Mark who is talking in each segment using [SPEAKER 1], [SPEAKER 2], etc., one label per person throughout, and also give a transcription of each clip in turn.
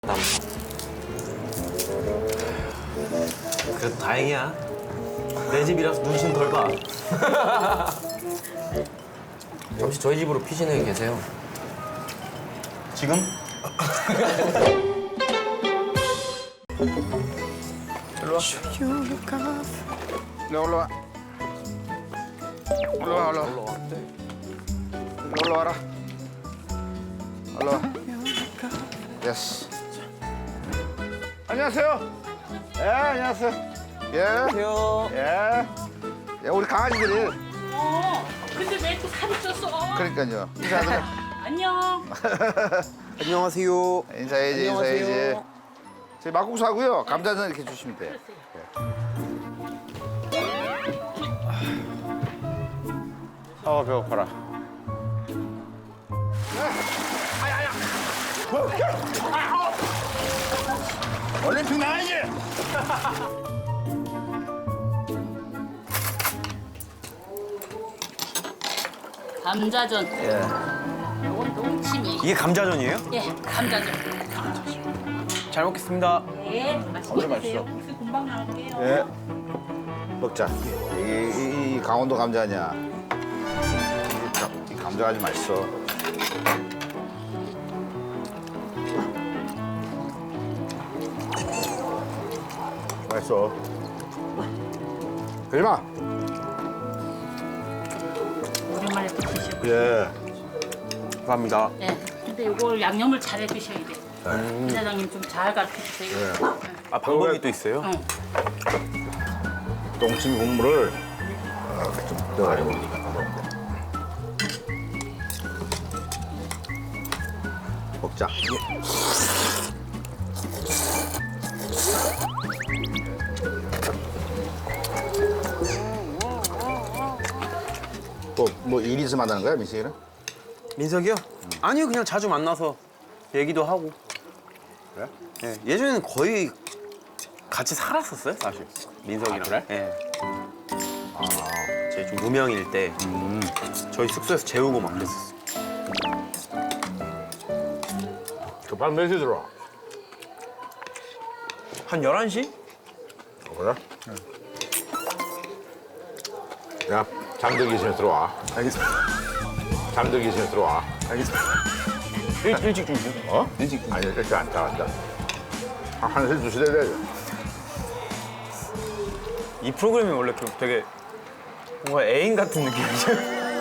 [SPEAKER 1] 그래도 다행이야. 내 집이라서 눈치는 덜 봐.
[SPEAKER 2] 잠시 저희 집으로 피신해 계세요.
[SPEAKER 1] 지금?
[SPEAKER 2] 일로 와.
[SPEAKER 3] 올라와. 올라와.
[SPEAKER 2] 올라와.
[SPEAKER 3] 올라와라. 올라와. 예스. 안녕하세요. 예, 안녕하세요. 예.
[SPEAKER 2] 안녕하세요.
[SPEAKER 3] 예. 예, 우리 강아지들이.
[SPEAKER 4] 근데 왜 또 살이 쪘어?
[SPEAKER 3] 그러니까요. 인사하자.
[SPEAKER 4] 안녕.
[SPEAKER 2] 안녕하세요.
[SPEAKER 3] 인사해야지, 인사해야지. 저희 막국수 하고요. 감자전 이렇게 주시면 돼요. 배고파라. 올림픽 나가야지.
[SPEAKER 4] 감자전. 이건 농심이.
[SPEAKER 1] 이게 감자전이에요?
[SPEAKER 4] 예, 감자전.
[SPEAKER 2] 잘 먹겠습니다.
[SPEAKER 4] 네, 맛있게 드세요. 국수 금방 나올게요.
[SPEAKER 3] 예. 먹자. 이 강원도 감자 아니야. 이 감자가 아주 맛있어. 맛있어. 그지마.
[SPEAKER 4] 오랜만에 또 드시고.
[SPEAKER 3] 예.
[SPEAKER 2] 감사합니다.
[SPEAKER 4] 예. 근데 이걸 양념을 잘해 드셔야 돼. 이사장님 좀 잘 가르쳐 주세요.
[SPEAKER 1] 아, 방법이 또 있어요?
[SPEAKER 4] 응.
[SPEAKER 3] 똥침 국물을 좀 넣어가지고 먹자. 뭐 일이 있어 만나는 거야, 민식이는?
[SPEAKER 1] 민석이요? 아니요, 그냥 자주 만나서 얘기도 하고.
[SPEAKER 3] 그래?
[SPEAKER 1] 예, 예전에는 거의 같이 살았었어요, 사실. 민석이랑.
[SPEAKER 3] 아, 그래?
[SPEAKER 1] 예. 제가 좀 무명일 때 저희 숙소에서 재우고 막 그랬었어요.
[SPEAKER 3] 그밤 몇 시에 들어와?
[SPEAKER 1] 한 11시?
[SPEAKER 3] 그래? 야, 잠들기 전에 들어와.
[SPEAKER 1] 알겠습니다.
[SPEAKER 3] 잠들기 전에 들어와.
[SPEAKER 1] 알겠습니다. 일찍 주무세요.
[SPEAKER 3] 어? 일찍. 아니, 일찍 안 나간다. 한 1시, 2시 돼야 돼.
[SPEAKER 1] 이 프로그램이 원래 되게 뭔가 애인 같은 느낌이죠?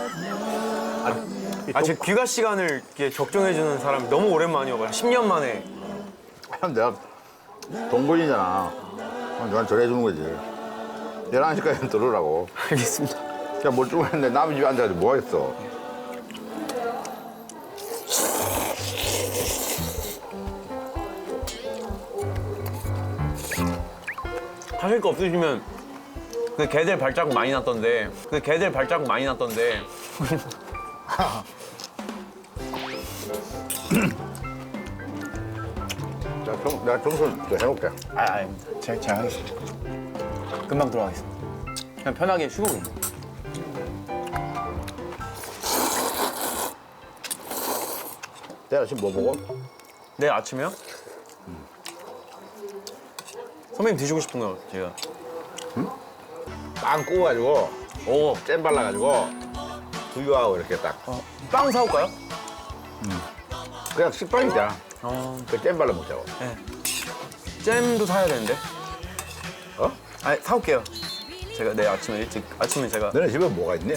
[SPEAKER 1] 제 귀가 시간을 이렇게 적정해주는 사람이 너무 오랜만이어가지고 10년 만에.
[SPEAKER 3] 내가 동거인이잖아. 너한테 전해주는 거지. 11시까지는 들으라고.
[SPEAKER 1] 알겠습니다.
[SPEAKER 3] 그냥 멀쩡했는데 남의 집에 앉아가지고 뭐 하겠어.
[SPEAKER 1] 하실 거 없으시면 그 개들 발자국 많이 났던데
[SPEAKER 3] 자, 내가 청소 좀 해놓을게.
[SPEAKER 2] 아닙니다. 제가 하겠습니다. 금방 들어가겠습니다.
[SPEAKER 1] 그냥 편하게 쉬고 계세요.
[SPEAKER 3] 내일 아침 뭐 먹어?
[SPEAKER 1] 내일 아침에요? 선배님 드시고 싶은 거 제가.
[SPEAKER 3] 빵 구워가지고
[SPEAKER 1] 오,
[SPEAKER 3] 잼 발라가지고 두유하고 이렇게 딱.
[SPEAKER 1] 빵 사올까요?
[SPEAKER 3] 그냥 식빵이잖아. 그 잼 발라 먹자고.
[SPEAKER 1] 네. 잼도 사야 되는데.
[SPEAKER 3] 어?
[SPEAKER 1] 아니, 사올게요. 제가 내일 아침에 제가.
[SPEAKER 3] 너네 집에 뭐가 있니?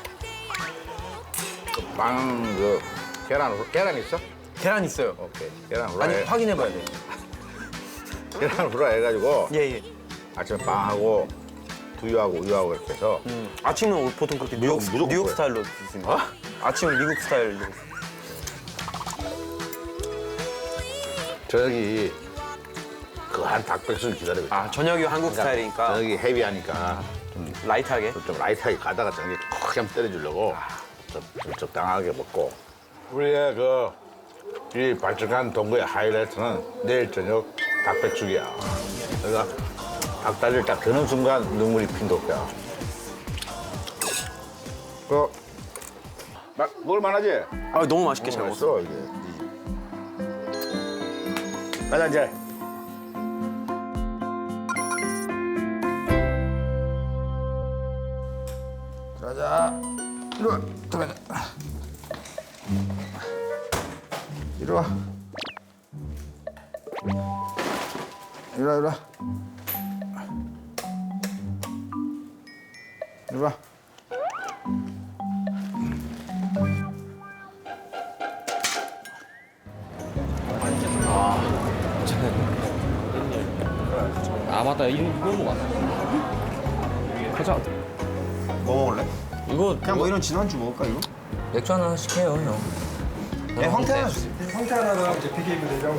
[SPEAKER 3] 그 빵, 계란 있어?
[SPEAKER 1] 계란 있어요.
[SPEAKER 3] 오케이. 계란
[SPEAKER 1] 아니,
[SPEAKER 3] 후라이.
[SPEAKER 1] 확인해봐야 돼.
[SPEAKER 3] 계란 후라이 해가지고
[SPEAKER 1] 예, 예.
[SPEAKER 3] 아침에 빵하고 두유하고 우유하고 이렇게 해서
[SPEAKER 1] 아침은 보통 그렇게
[SPEAKER 3] 무조건
[SPEAKER 1] 뉴욕
[SPEAKER 3] 그거야.
[SPEAKER 1] 스타일로 드십니다. 아침은 미국 스타일로.
[SPEAKER 3] 저기 그 한 닭백숙 기다리고 있어.
[SPEAKER 1] 아, 저녁이 한국 스타일이니까
[SPEAKER 3] 저기 헤비하니까
[SPEAKER 1] 라이트하게.
[SPEAKER 3] 좀 라이트하게 가다가 저기 크게 한번 때려주려고 좀 적당하게 먹고. 우리의 이 발전한 동거의 하이라이트는 내일 저녁 닭백숙이야. 그러니까 닭다리를 딱 드는 순간 눈물이 핀도야. 먹을 만하지?
[SPEAKER 1] 아, 너무 맛있게 잘 먹었어요.
[SPEAKER 3] 맛있어 이게. 가자 이제. 가자. 이리 와. 들어가자. 이리 와. 이리 와, 이리 와. 이리 와.
[SPEAKER 2] 아 맞다 이거 먹었어. 가자. 뭐 먹을래?
[SPEAKER 5] 이거
[SPEAKER 2] 그냥 뭐 이런 진한주 먹을까 이거?
[SPEAKER 5] 맥주 하나 시켜요 형.
[SPEAKER 2] 네, 황태 하나 주세요. 황태 하나랑 이제 PKB 대장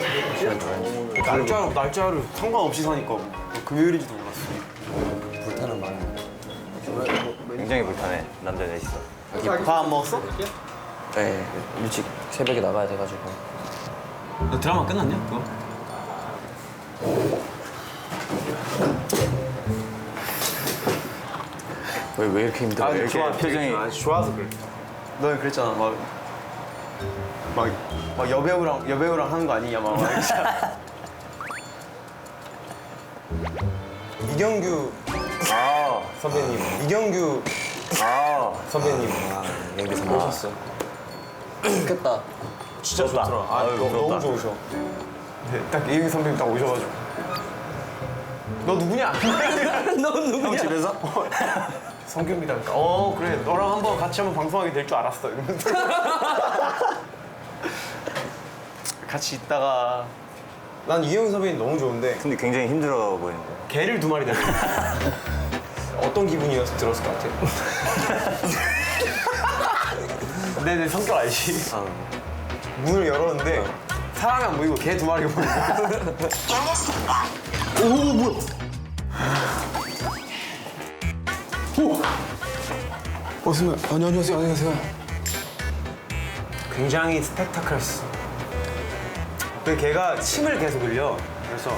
[SPEAKER 2] 날짜를 상관없이 사니까 금요일인지도 몰랐어.
[SPEAKER 5] 불타는 마음.
[SPEAKER 1] 굉장히 불편해. 남자 넷이서.
[SPEAKER 2] 밥 안 먹었어?
[SPEAKER 5] 네 일찍 새벽에 나가야 돼가지고.
[SPEAKER 2] 너 드라마 끝났냐? 그거?
[SPEAKER 5] 왜 이렇게 힘들어? 왜 이렇게
[SPEAKER 2] 표정이 아주 좋아서 그래. 너는 그랬잖아 막 여배우랑 하는 거 아니냐 막 이경규 선배님 이경규 선배님
[SPEAKER 5] 연기 선보셨어. 좋겠다.
[SPEAKER 2] 진짜 좋더라. 너무 좋으셔. 네, 딱 이경규 선배님 딱 오셔가지고 너 누구냐? 너 누구냐? 형 집에서? 성규입니다. 그래 너랑 한번 같이 한번 방송하게 될 줄 알았어 이러면서 같이 있다가 난 이경규 선배님 너무 좋은데
[SPEAKER 1] 근데 굉장히 힘들어 보이는데.
[SPEAKER 2] 개를 2마리 데리고 어떤 기분이어서 들었을 것 같아? 내 성격 알지? 문을 열었는데 사람이 안 보이고 개 2마리가 보이고 오 뭐야? 선배 안녕하세요. 굉장히 스펙타클했어. 그 걔가 침을 계속 흘려. 그래서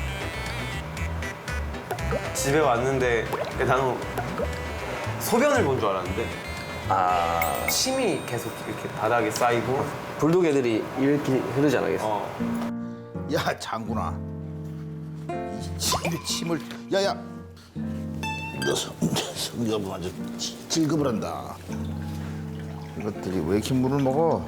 [SPEAKER 2] 집에 왔는데 나는 소변을 본 줄 알았는데 침이 계속 이렇게 바닥에 쌓이고
[SPEAKER 5] 불독 애들이 이렇게 흐르지 않겠어?
[SPEAKER 3] 야 장군아. 이 침을 야야. 너 성격은 아주 질급을 한다. 이것들이 왜 이렇게 물을 먹어?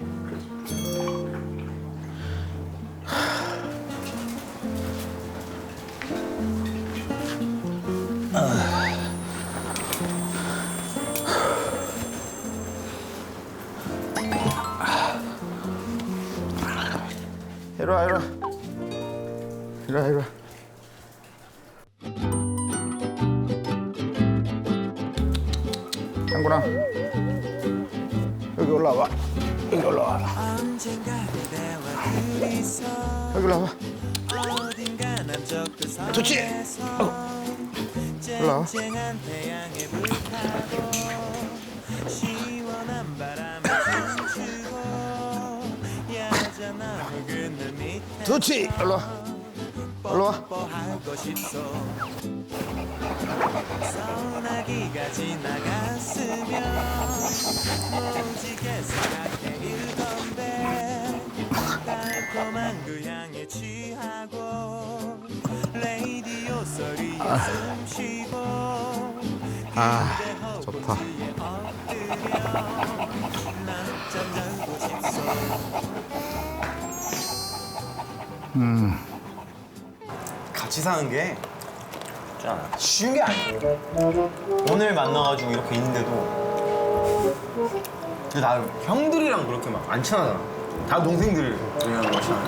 [SPEAKER 3] 이리 와. 장군아, 여기 올라와. 여기 올라와. 좋지? 올라와. 좋지? 올라와.
[SPEAKER 6] 소나기가 지나갔으면 오지게 생각해 일건데 달콤한 그 향에 취하고 레이디오 소리에 숨쉬고
[SPEAKER 3] 좋다.
[SPEAKER 6] 엎드려 낮잠 자고 싶소.
[SPEAKER 2] 같이 사는 게 쉬운 게 아니에요. 오늘 만나가지고 이렇게 있는데도 근데 나 형들이랑 그렇게 막 안 친하잖아. 다 동생들이랑 친하잖아.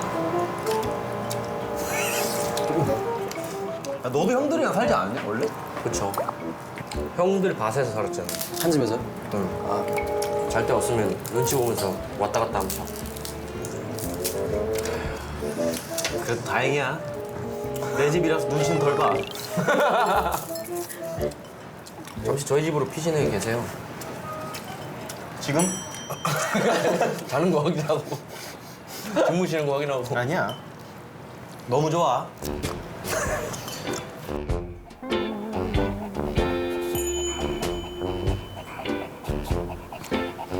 [SPEAKER 2] 너도 형들이랑 살지 않았냐 원래?
[SPEAKER 5] 그쵸. 형들 밭에서 살았잖아. 한 집에서? 응. 잘 때 없으면 눈치 보면서 왔다 갔다 하면서.
[SPEAKER 2] 그래도 다행이야. 내 집이라서 눈치는 덜 봐.
[SPEAKER 5] 잠시 저희 집으로 피신해 계세요.
[SPEAKER 2] 지금?
[SPEAKER 5] 자는 거 확인하고 주무시는 거 확인하고.
[SPEAKER 2] 아니야. 너무 좋아.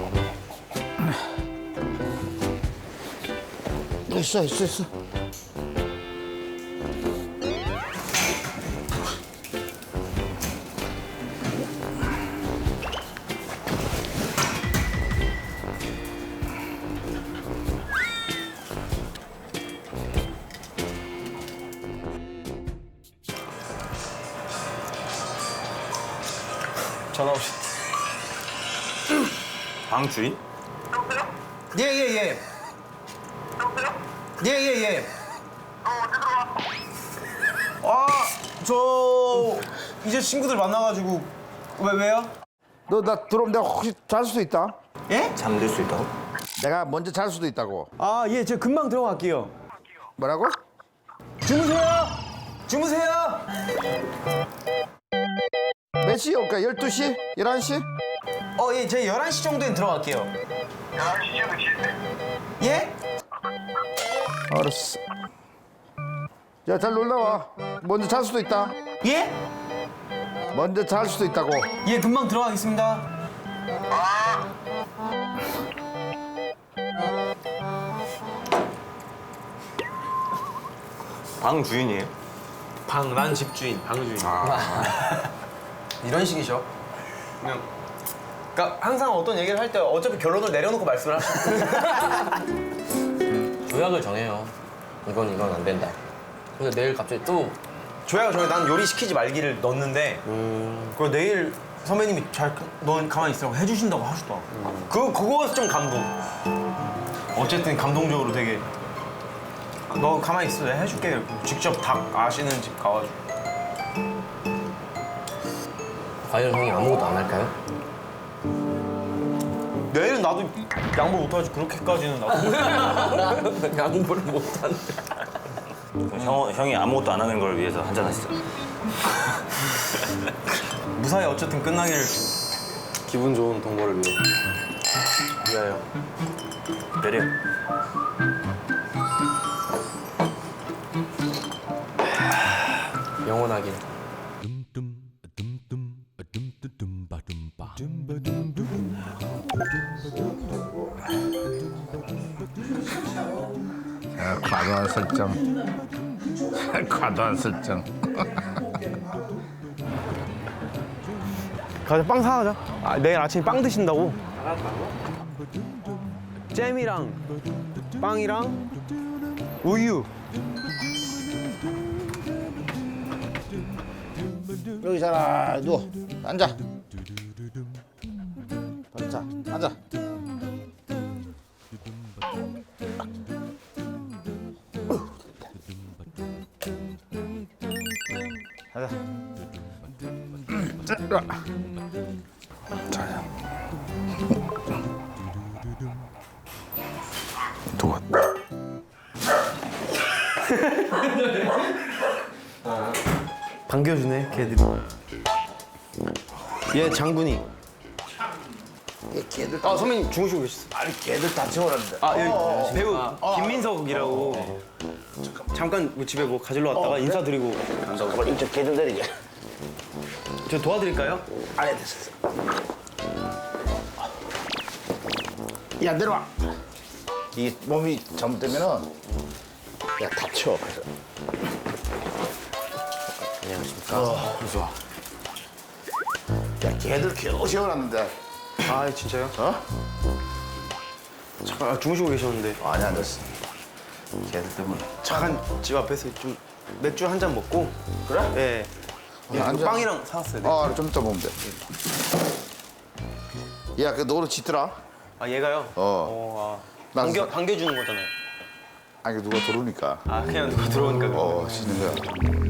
[SPEAKER 3] 있어.
[SPEAKER 2] 전화 오셨.
[SPEAKER 1] 방 주인?
[SPEAKER 2] 예예예. 예예예. 저 이제 친구들 만나가지고 왜요?
[SPEAKER 3] 너 나 들어오면 내가 혹시 잘 수도 있다.
[SPEAKER 2] 예?
[SPEAKER 1] 잠들 수 있다고?
[SPEAKER 3] 내가 먼저 잘 수도 있다고.
[SPEAKER 2] 아 예, 제가 금방 들어갈게요.
[SPEAKER 3] 뭐라고?
[SPEAKER 2] 주무세요. 주무세요.
[SPEAKER 3] 몇 시에 올까? 12시? 11시?
[SPEAKER 2] 예, 제가 11시 정도엔 들어갈게요.
[SPEAKER 7] 11시면 지내.
[SPEAKER 2] 예?
[SPEAKER 3] 알았어. 야, 잘 놀다 와. 먼저 잘 수도 있다.
[SPEAKER 2] 예?
[SPEAKER 3] 먼저 잘 수도 있다고.
[SPEAKER 2] 예, 금방 들어가겠습니다.
[SPEAKER 1] 방 주인이에요?
[SPEAKER 2] 난 집주인, 방주인. 이런 식이죠. 그냥. 그러니까 항상 어떤 얘기를 할 때 어차피 결론을 내려놓고 말씀을 하시죠.
[SPEAKER 5] 조약을 정해요. 이건 안 된다. 근데 내일 갑자기 또
[SPEAKER 2] 조야가 저희 난 요리 시키지 말기를 넣었는데 그걸 내일 선배님이 넌 가만히 있으라고 해주신다고 하시더라고. 그거에서 좀 감동. 어쨌든 감동적으로 되게 너 가만히 있어 내가 해줄게. 직접 닭 아시는 집 가가지고.
[SPEAKER 5] 과연 형이 아무것도 안 할까요?
[SPEAKER 2] 내일은 나도 양보 못하지 그렇게까지는 나도.
[SPEAKER 5] 양보를 못하는데.
[SPEAKER 1] 형이 아무것도 안 하는 걸 위해서 한잔 하시죠.
[SPEAKER 2] 무사히 어쨌든 끝나기를.
[SPEAKER 5] 기분 좋은 동거를 위하여.
[SPEAKER 1] 내려.
[SPEAKER 5] 영원하길.
[SPEAKER 3] 과도한 설정. 과도한 설정.
[SPEAKER 2] 가자 빵 사가자. 내일 아침에 빵 드신다고. 잼이랑 빵이랑 우유.
[SPEAKER 3] 여기 잘 누워. 앉아. 자, 앉아. 가자. 자. 도와.
[SPEAKER 2] 반겨주네 걔들이. 얘 장군이.
[SPEAKER 3] 걔들
[SPEAKER 2] 선배님 주무시고 계셨어.
[SPEAKER 3] 아니 걔들 다 채워놨는데.
[SPEAKER 2] 여기 배우 김민석이라고. 잠깐 뭐 집에 뭐 가지러 왔다가 인사드리고 간다고.
[SPEAKER 3] 잠깐만 이쪽 걔좀 내리게.
[SPEAKER 2] 저 도와드릴까요?
[SPEAKER 3] 아니 됐어. 야 내려와. 이 몸이 잘못되면은 야 다쳐. 그래서. 안녕하십니까. 무서워. 야 걔들 겨우 세워놨는데.
[SPEAKER 2] 아 진짜요?
[SPEAKER 3] 어?
[SPEAKER 2] 잠깐 주무시고 계셨는데
[SPEAKER 3] 아니 안 됐어.
[SPEAKER 2] 걔들 때문에 잠깐 집 앞에서 좀 맥주 한 잔 먹고.
[SPEAKER 3] 그래?
[SPEAKER 2] 네. 예,
[SPEAKER 3] 앉아.
[SPEAKER 2] 빵이랑 사왔어요. 네.
[SPEAKER 3] 좀 이따 보면 돼. 야, 그 노래 짙더라.
[SPEAKER 2] 아 얘가요?
[SPEAKER 3] 난
[SPEAKER 2] 반겨주는 거잖아요.
[SPEAKER 3] 아니 누가 들어오니까.
[SPEAKER 2] 그냥 누가 들어오니까.
[SPEAKER 3] 씻는 거야.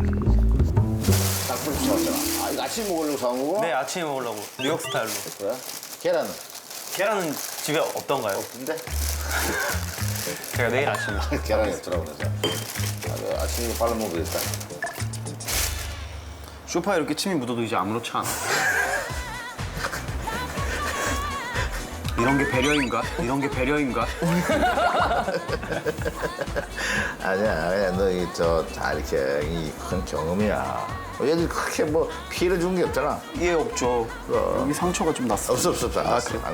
[SPEAKER 3] 닭불 사왔잖아. 이거 아침 먹으려고 사온 거고?
[SPEAKER 2] 네 아침에 먹으려고 뉴욕 스타일로.
[SPEAKER 3] 그래? 계란은?
[SPEAKER 2] 계란은 집에 없던가요?
[SPEAKER 3] 근데?
[SPEAKER 2] 제가 내일 아침에.
[SPEAKER 3] 계란이 없더라고 그래서. 아침에 발라 먹어야겠다.
[SPEAKER 2] 소파에 이렇게 침이 묻어도 이제 아무렇지 않아. 이런 게 배려인가? 이런 게 배려인가?
[SPEAKER 3] 아니야, 그냥 너 다 이렇게 이 큰 경험이야. 얘들 그렇게 뭐 피해를 준 게 없잖아.
[SPEAKER 2] 예 없죠. 여기 상처가 좀 났어.
[SPEAKER 3] 없어. 안 났어. 안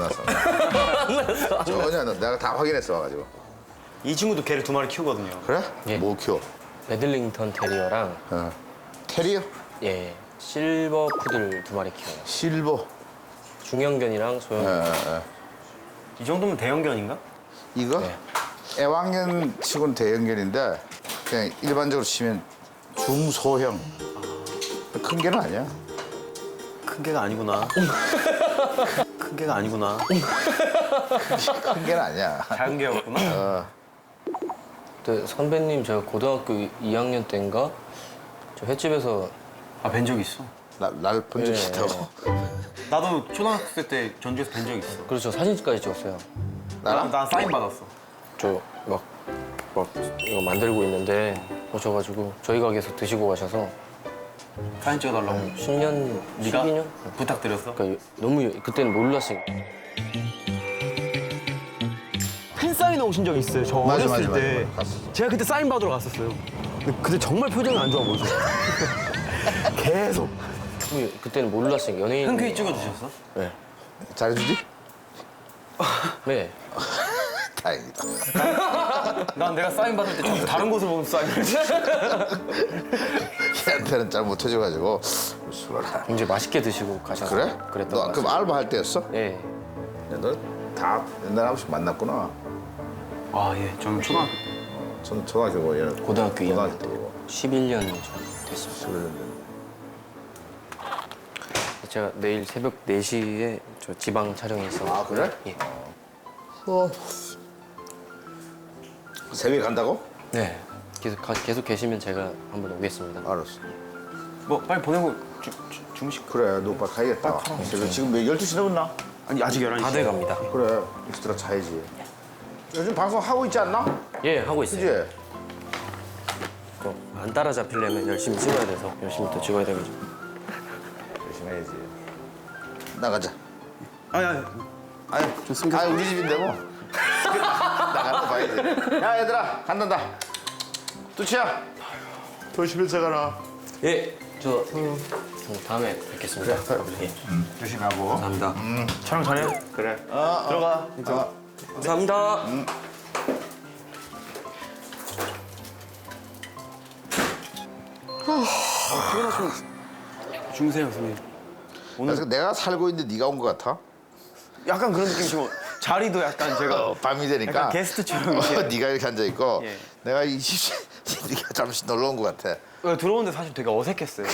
[SPEAKER 3] 났어. 전혀 안 났어. 내가 다 확인했어 와가지고.
[SPEAKER 2] 이 친구도 개를 2마리 키우거든요.
[SPEAKER 3] 그래?
[SPEAKER 5] 예.
[SPEAKER 3] 뭐 키워?
[SPEAKER 5] 매들링턴 테리어랑
[SPEAKER 3] 테리어?
[SPEAKER 5] 예 실버 푸들 2마리 키워요.
[SPEAKER 3] 실버.
[SPEAKER 5] 중형견이랑 소형견.
[SPEAKER 2] 이 정도면 대형견인가?
[SPEAKER 3] 이거?
[SPEAKER 5] 네.
[SPEAKER 3] 애완견 치고는 대형견인데 그냥 일반적으로 치면 중소형. 큰 개는 아니야.
[SPEAKER 2] 큰 개가 아니구나. 큰 개가 아니구나.
[SPEAKER 3] 큰 개는 아니야.
[SPEAKER 2] 작은 개였구나.
[SPEAKER 5] 그때 선배님 제가 고등학교 2학년 때인가 저 횟집에서
[SPEAKER 2] 아, 뵌 적 있어.
[SPEAKER 3] 날 본 적
[SPEAKER 5] 예,
[SPEAKER 3] 있다고.
[SPEAKER 2] 나도 초등학생 때 전주에서 뵌 적 있어.
[SPEAKER 5] 그래서 사진까지 찍었어요.
[SPEAKER 3] 나랑?
[SPEAKER 2] 난 사인 받았어.
[SPEAKER 5] 저 막 이거 만들고 있는데 오셔가지고 저희 가게에서 드시고 가셔서
[SPEAKER 2] 사진 찍어달라고.
[SPEAKER 5] 10년,
[SPEAKER 2] 네가
[SPEAKER 5] 12년?
[SPEAKER 2] 부탁드렸어.
[SPEAKER 5] 그러니까 너무 그때는 몰랐어요.
[SPEAKER 2] 팬 사인회 오신 적 있어요. 저
[SPEAKER 3] 맞아,
[SPEAKER 2] 어렸을
[SPEAKER 3] 맞아,
[SPEAKER 2] 때.
[SPEAKER 3] 맞아. 갔어.
[SPEAKER 2] 제가 그때 사인 받으러 갔었어요. 근데 그때 정말 표정이 안 좋아 보이죠. 계속.
[SPEAKER 5] 그때는 몰랐어요. 연예인.
[SPEAKER 2] 흔쾌히 찍어주셨어?
[SPEAKER 5] 네.
[SPEAKER 3] 잘해주지?
[SPEAKER 5] 네.
[SPEAKER 3] 다행이다.
[SPEAKER 2] 난 내가 사인 받을 때 자꾸 다른 곳을 보면서 사인을 했지.
[SPEAKER 3] 걔한테는 잘 못해줘가지고 수고라.
[SPEAKER 5] 굉장히 맛있게 드시고 가셔서.
[SPEAKER 3] 그래?
[SPEAKER 5] 그랬던
[SPEAKER 3] 너
[SPEAKER 5] 것
[SPEAKER 3] 그럼
[SPEAKER 5] 같아요.
[SPEAKER 3] 알바 할 때였어?
[SPEAKER 5] 네.
[SPEAKER 3] 너 다 옛날에 한 번씩 만났구나.
[SPEAKER 2] 아, 예. 저는 초등학교 때.
[SPEAKER 3] 저는 초등학교고 얘는
[SPEAKER 5] 고등학교 2학년
[SPEAKER 3] 고등학교
[SPEAKER 5] 때.
[SPEAKER 3] 때고.
[SPEAKER 5] 11년 전 됐습니다.
[SPEAKER 3] 11년 전.
[SPEAKER 5] 제가 내일 새벽 4시에 저 지방 촬영이 있어.
[SPEAKER 3] 아, 그래?
[SPEAKER 5] 예.
[SPEAKER 3] 새벽에 간다고?
[SPEAKER 5] 네. 계속 계시면 제가 한번 오겠습니다.
[SPEAKER 3] 알았어.
[SPEAKER 2] 뭐, 빨리 보내고 주무실 거.
[SPEAKER 3] 그래, 너 오빠 가야겠다. 그래서 지금 몇 12시 넘었나?
[SPEAKER 2] 아니, 아직 11시.
[SPEAKER 5] 다 돼 갑니다.
[SPEAKER 3] 그래, 익스트라 자야지. 요즘 방송 하고 있지 않나?
[SPEAKER 5] 예, 하고 있어요.
[SPEAKER 3] 그지?
[SPEAKER 5] 또 안 따라잡히려면 열심히 찍어야 돼서 열심히 또 찍어야 돼가지고.
[SPEAKER 3] 열심히 해야지. 나가자.
[SPEAKER 2] 아니.
[SPEAKER 3] 아니,
[SPEAKER 2] 좋습니다.
[SPEAKER 3] 아니, 우리 집인데 뭐. 나가는 거 봐야지. 야, 얘들아, 간단다. 뚜치야. 조심해서 가라.
[SPEAKER 5] 예, 저 다음에 뵙겠습니다. 예.
[SPEAKER 3] 조심하고.
[SPEAKER 5] 감사합니다.
[SPEAKER 2] 촬영 잘해.
[SPEAKER 3] 그래.
[SPEAKER 2] 들어가.
[SPEAKER 5] 감사합니다.
[SPEAKER 2] 주무세요, 선생님.
[SPEAKER 3] 그래서 내가 살고 있는데 네가 온 것 같아?
[SPEAKER 2] 약간 그런 느낌이고 자리도 약간 제가
[SPEAKER 3] 밤이 되니까.
[SPEAKER 2] 약간 게스트처럼 이렇게.
[SPEAKER 3] 네가 이렇게 앉아 있고
[SPEAKER 2] 예.
[SPEAKER 3] 내가 이 집 네가 잠시 놀러 온 것 같아.
[SPEAKER 2] 들어오는데 사실 되게 어색했어요.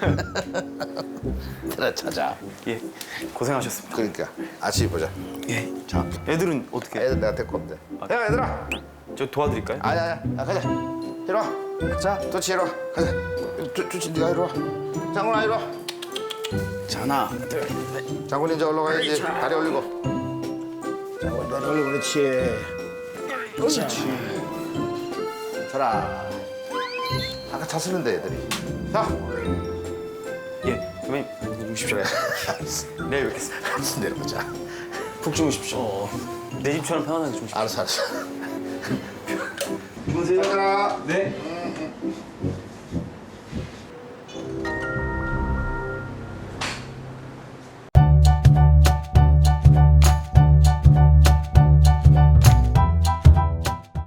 [SPEAKER 3] 그래 찾아.
[SPEAKER 2] 예, 고생하셨습니다.
[SPEAKER 3] 그러니까 아침에 보자.
[SPEAKER 2] 예, 자, 애들은 어떻게?
[SPEAKER 3] 애들 내가 데리고 오면 돼. 야 얘들아.
[SPEAKER 2] 저 도와드릴까요?
[SPEAKER 3] 아니야. 야, 가자. 이리 와. 자, 도치 이리 와. 가자. 도치 네가 이리 와. 장군아 이리 와.
[SPEAKER 2] 자, 하나, 둘.
[SPEAKER 3] 장군 이제 올라가야지. 다리 올리고. 장군 다리 올리고 그렇지. 그렇지. 자라. 아까 잤었는데 애들이. 자.
[SPEAKER 2] 예, 선배님 주무십시오.
[SPEAKER 3] 그래.
[SPEAKER 2] 내일 뵙겠습니다.
[SPEAKER 3] 내려보자.
[SPEAKER 2] 푹 주무십시오. 내 집처럼 편안하게 주무십시오.
[SPEAKER 3] 알았어.
[SPEAKER 2] 주무세요.
[SPEAKER 3] 얘들아.
[SPEAKER 2] 네.